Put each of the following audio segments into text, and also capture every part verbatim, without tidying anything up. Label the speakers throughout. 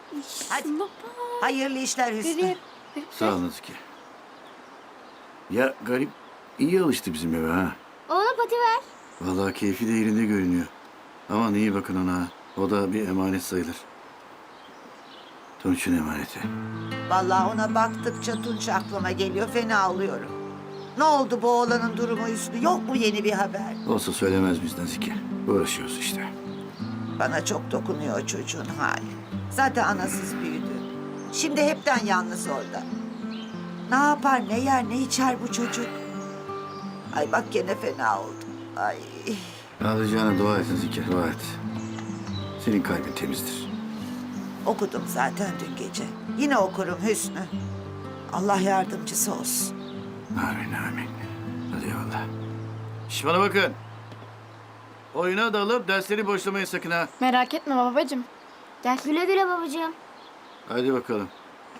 Speaker 1: Hadi. Hayırlı işler Hüsnü.
Speaker 2: Sağ ol Nazike. Ya garip iyi alıştı bizim eve ha.
Speaker 3: Ona pati ver.
Speaker 2: Vallahi keyfi de yerinde görünüyor. Aman iyi bakın ona. O da bir emanet sayılır. Tunç'un emaneti.
Speaker 1: Vallahi ona baktıkça Tunç aklıma geliyor. Fena oluyorum. Ne oldu bu oğlanın durumu Hüsnü? Yok mu yeni bir haber?
Speaker 2: Olsa söylemez biz Nazike. Uğraşıyoruz işte.
Speaker 1: Bana çok dokunuyor çocuğun hali. Zaten anasız büyüdü. Şimdi hepten yalnız orada. Ne yapar, ne yer, ne içer bu çocuk? Ay bak gene fena oldu. Ay.
Speaker 2: Ağlayacağına dua et Nazike, dua et. Senin kalbin temizdir.
Speaker 1: Okudum zaten dün gece. Yine okurum Hüsnü. Allah yardımcısı olsun.
Speaker 2: Amin, amin. Hadi eyvallah. Şş bana bakın. Oyuna dalıp dersleri boşlamayın sakın ha.
Speaker 4: Merak etme babacığım.
Speaker 3: Gel. Güle güle babacığım.
Speaker 2: Hadi bakalım.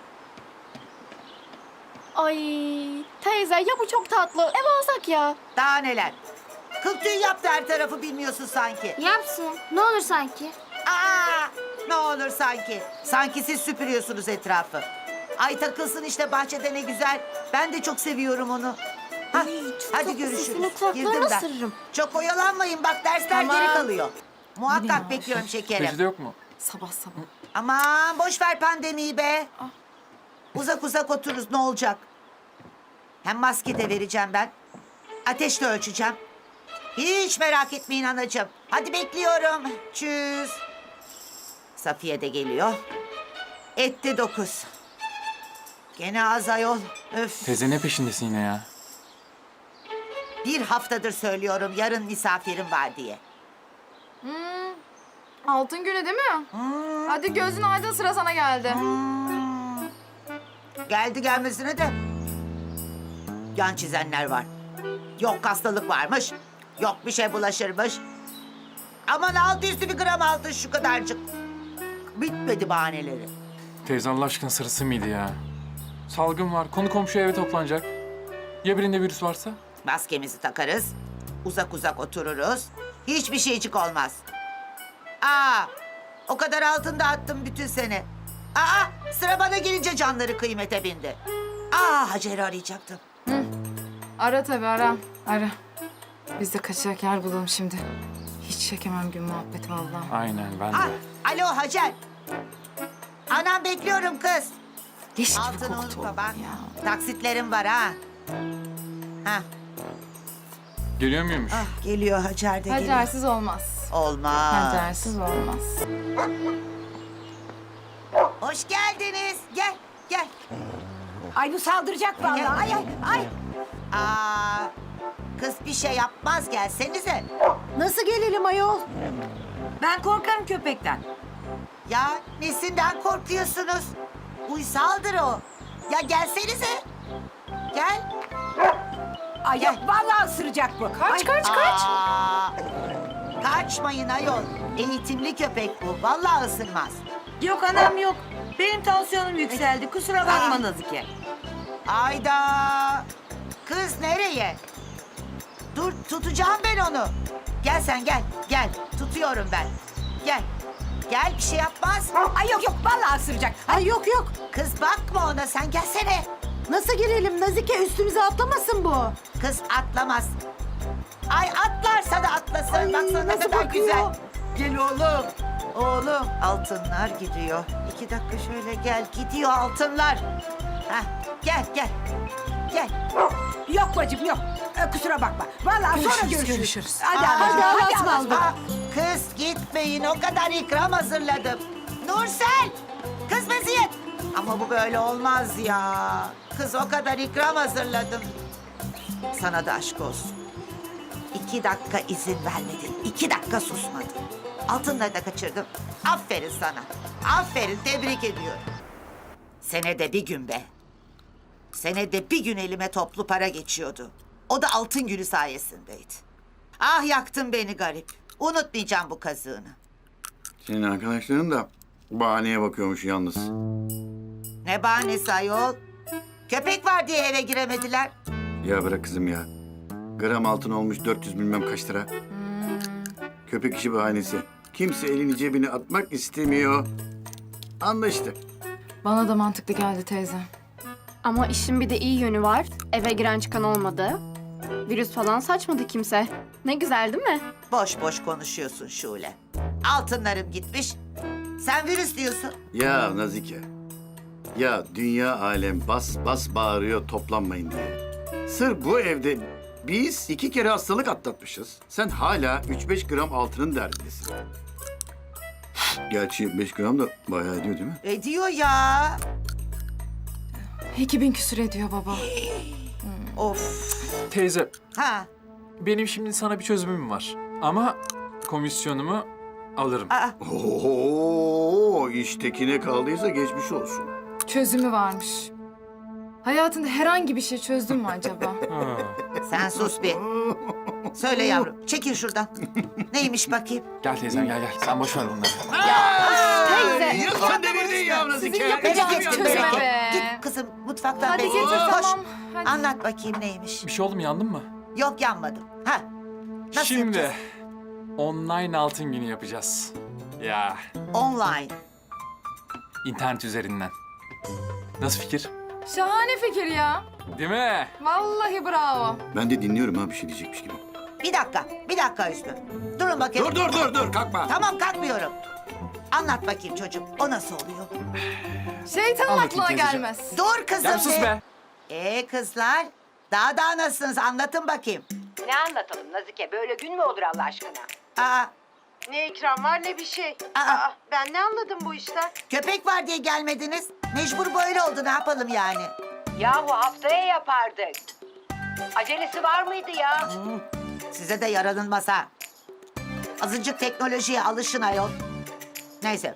Speaker 4: Ay teyze ya bu çok tatlı. Ev alsak ya.
Speaker 1: Daha neler? Kıl tüy yaptı her tarafı bilmiyorsun sanki.
Speaker 3: Yapsın. Ne olur sanki.
Speaker 1: Aa, ne olur sanki. Sanki siz süpürüyorsunuz etrafı. Ay takılsın işte bahçede ne güzel. Ben de çok seviyorum onu. Ha, hadi görüşürüz.
Speaker 4: Sesini kulaklarına
Speaker 1: Girdim ben.
Speaker 4: ısırırım.
Speaker 1: Çok oyalanmayın bak dersler
Speaker 4: Tamam.
Speaker 1: geri kalıyor. Muhakkak bekliyorum şekerim.
Speaker 5: Reçete yok mu?
Speaker 4: Sabah sabah.
Speaker 1: Aman boş ver pandemiyi be. Uzak uzak otururuz ne olacak? Hem maske de vereceğim ben. Ateş de ölçeceğim. Hiç merak etmeyin anacığım. Hadi bekliyorum. Çüz. Safiye de geliyor. Etti dokuz. Gene az ayol. Öf.
Speaker 5: Teyze ne peşindesin yine ya?
Speaker 1: Bir haftadır söylüyorum yarın misafirim var diye.
Speaker 4: Altın günü değil mi?
Speaker 1: Hmm,
Speaker 4: Hadi gözün aydın sıra sana geldi.
Speaker 1: hmm. Geldi gelmesine de yan çizenler var. Yok hastalık varmış. Yok bir şey bulaşırmış. Aman altı üstü bir gram altın şu kadarcık. Bitmedi bahaneleri.
Speaker 5: Teyze Allah aşkına sırası mıydı ya? Salgın var, konu komşu eve toplanacak. Ya birinde virüs varsa?
Speaker 1: Maskemizi takarız. Uzak uzak otururuz. Hiçbir şeycik olmaz. Aa, o kadar altın dağıttım bütün sene. Aa, sıra bana gelince canları kıymete bindi. Aa, Hacer'i arayacaktım.
Speaker 6: Ara tabii ara. Ara. Biz de kaçacak yer bulalım şimdi. Hiç çekemem gün muhabbeti vallahi.
Speaker 5: Aynen ben de.
Speaker 1: Ah, alo Hacer. Anam bekliyorum kız.
Speaker 6: Leş gibi
Speaker 1: Altını
Speaker 6: koktu
Speaker 1: unutma
Speaker 6: oğlum
Speaker 1: bak.
Speaker 6: ya.
Speaker 1: Taksitlerim var ha. Ha,
Speaker 5: Geliyor muymuş?
Speaker 1: ah, geliyor Hacer de geliyor.
Speaker 6: Hacersiz olmaz.
Speaker 1: Olmaz.
Speaker 6: Hacersiz olmaz.
Speaker 1: Hoş geldiniz. Gel, gel.
Speaker 7: Ay bu saldıracak vallahi. Ay ay ay.
Speaker 1: Aa, kız bir şey yapmaz gelsenize.
Speaker 7: Nasıl gelelim ayol? Ben korkarım köpekten.
Speaker 1: Ya nesinden korkuyorsunuz? Uysaldır o. Ya gelsenize. Gel.
Speaker 7: Ay yok vallahi ısıracak bu.
Speaker 6: Kaç kaç kaç.
Speaker 1: Aa, kaçmayın ayol. Eğitimli köpek bu. Vallahi ısırmaz.
Speaker 7: Yok anam yok. Benim tansiyonum yükseldi. Kusura
Speaker 1: Aa.
Speaker 7: bakma Nazike.
Speaker 1: Ayda. Kız nereye? Dur tutacağım ben onu. Gel sen gel. Gel. Tutuyorum ben. Gel. Gel bir şey yapmaz.
Speaker 7: Ay yok yok vallahi ısıracak. Ay yok yok.
Speaker 1: Kız bakma ona sen gelsene.
Speaker 7: Nasıl girelim Nazike? Üstümüze atlamasın bu.
Speaker 1: Kız atlamaz. Ay atlarsa da atlasın.
Speaker 7: Ay,
Speaker 1: Baksana ne
Speaker 7: nasıl
Speaker 1: kadar
Speaker 7: bakıyor?
Speaker 1: güzel. Gel oğlum. Oğlum altınlar gidiyor. İki dakika şöyle gel. Gidiyor altınlar. Hah, gel gel. Gel.
Speaker 7: Yok bacım yok. Ee, kusura bakma. Vallahi sonra
Speaker 6: Görüşürüz,
Speaker 7: görüşürüz.
Speaker 6: görüşürüz.
Speaker 7: Hadi
Speaker 1: Aa,
Speaker 7: hadi
Speaker 1: hadi
Speaker 7: hadi.
Speaker 1: Allah'a
Speaker 7: hadi,
Speaker 1: ısmarladık. Aa, kız gitmeyin o kadar ikram hazırladım. Nursel. Kız Meziyet. Ama bu böyle olmaz ya. Kız o kadar ikram hazırladım. Sana da aşk olsun. İki dakika izin vermedin. İki dakika susmadın. Altınları da kaçırdım. Aferin sana. Aferin tebrik ediyorum. Senede bir gün be. Senede bir gün elime toplu para geçiyordu. O da altın günü sayesindeydi. Ah yaktın beni garip. Unutmayacağım bu kazığını.
Speaker 2: Senin arkadaşların da bahaneye bakıyormuş yalnız.
Speaker 1: Ne bahanesi ayol? Köpek var diye eve giremediler.
Speaker 2: Ya bırak kızım ya. Gram altın olmuş dört yüz bilmem kaç lira. Köpek işi bahanesi. Kimse elini cebine atmak istemiyor. Anlaştık.
Speaker 6: Bana da mantıklı geldi teyze.
Speaker 4: Ama işin bir de iyi yönü var. Eve giren çıkan olmadı. Virüs falan saçmadı kimse. Ne güzel değil mi?
Speaker 1: Boş boş konuşuyorsun Şule. Altınlarım gitmiş. Sen virüs diyorsun.
Speaker 2: Ya Nazike. Ya dünya alem bas bas bağırıyor toplanmayın diye. Sırf bu evde biz iki kere hastalık atlatmışız. Sen hala üç beş gram altının derdindesin. Gerçi beş gram da bayağı ediyor değil mi?
Speaker 1: Ediyor ya.
Speaker 6: iki bin küsür ediyor baba.
Speaker 1: Of.
Speaker 5: Teyze,
Speaker 1: Ha.
Speaker 5: benim şimdi sana bir çözümüm var. Ama komisyonumu alırım.
Speaker 1: Aa,
Speaker 2: Oo, iştekine kaldıysa geçmiş olsun.
Speaker 6: Çözümü varmış. Hayatında herhangi bir şey çözdün mü acaba?
Speaker 5: Ha.
Speaker 1: sen sus bir. Söyle yavrum. Çekil şuradan. Neymiş bakayım?
Speaker 5: Gel teyzem gel gel. Sen boş ver bunları.
Speaker 4: Teyze.
Speaker 2: Ya sen delirdin ya Nazike.
Speaker 6: yapacağınız
Speaker 1: Bereket,
Speaker 6: çözüme
Speaker 1: bereket.
Speaker 6: be.
Speaker 1: Git kızım mutfaktan
Speaker 6: Hadi
Speaker 1: bekle.
Speaker 6: getir
Speaker 1: Koş.
Speaker 6: tamam. Hadi.
Speaker 1: Anlat bakayım neymiş.
Speaker 5: Bir şey oldu mu, yandın mı?
Speaker 1: Yok yanmadım. Ha. Nasıl
Speaker 5: Şimdi
Speaker 1: yapacağız?
Speaker 5: online altın günü yapacağız. Ya
Speaker 1: Online.
Speaker 5: internet üzerinden. Nasıl fikir?
Speaker 6: Şahane fikir ya.
Speaker 5: Değil mi?
Speaker 6: Vallahi bravo.
Speaker 2: Ben de dinliyorum ha bir şey diyecekmiş gibi.
Speaker 1: Bir dakika. Bir dakika Hüsnü. Durun bakayım.
Speaker 2: Dur dur dur dur kalkma.
Speaker 1: Tamam kalkmıyorum. Anlat bakayım çocuğum. O nasıl oluyor?
Speaker 6: Şeytanın
Speaker 5: Anlatayım
Speaker 6: aklına
Speaker 5: teyzeciğim.
Speaker 6: gelmez.
Speaker 1: Dur kızım.
Speaker 5: Ya sus be.
Speaker 1: Ee kızlar. Daha daha nasılsınız? Anlatın bakayım.
Speaker 8: Ne anlatalım Nazike? Böyle gün mü olur Allah aşkına?
Speaker 1: Aa,
Speaker 8: Ne ikram var ne bir şey.
Speaker 1: Aa.
Speaker 8: Aa, ben ne anladım bu işten?
Speaker 1: köpek var diye gelmediniz. Mecbur böyle oldu. Ne yapalım yani?
Speaker 8: Yahu haftaya yapardık. Acelesi var mıydı ya?
Speaker 1: Size de yaranılmaz ha. Azıcık teknolojiye alışın ayol. Neyse.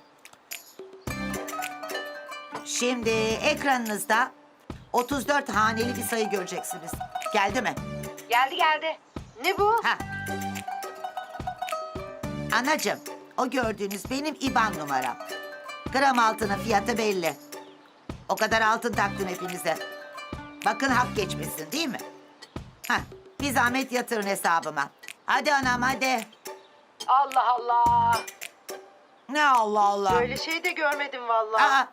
Speaker 1: Şimdi ekranınızda otuz dört haneli bir sayı göreceksiniz. Geldi mi?
Speaker 8: Geldi geldi. Ne bu?
Speaker 1: Ha. Anacığım, o gördüğünüz benim İban numaram. Gram altının fiyatı belli. O kadar altın taktım hepinize. Bakın hak geçmesin değil mi? Ha, bir zahmet yatırın hesabıma. Hadi anam hadi.
Speaker 8: Allah Allah.
Speaker 1: Ne Allah Allah.
Speaker 8: Böyle şey de görmedim vallahi.
Speaker 1: Aa,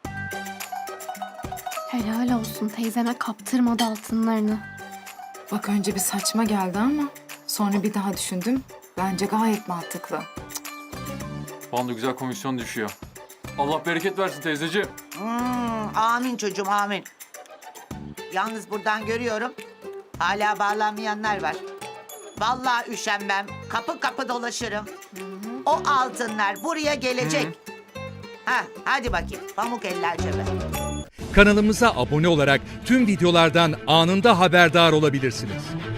Speaker 4: Helal olsun teyzeme kaptırmadı altınlarını.
Speaker 6: Bak önce bir saçma geldi ama sonra bir daha düşündüm. Bence gayet mantıklı.
Speaker 5: Bana da güzel komisyon düşüyor. Allah bereket versin teyzeciğim.
Speaker 1: hmm, amin çocuğum amin. Yalnız buradan görüyorum. Hala bağlanmayanlar var. Vallahi üşenmem. Kapı kapı dolaşırım. O altınlar buraya gelecek. Ha, hadi bakayım. Pamuk eller cebe.
Speaker 9: Kanalımıza abone olarak tüm videolardan anında haberdar olabilirsiniz.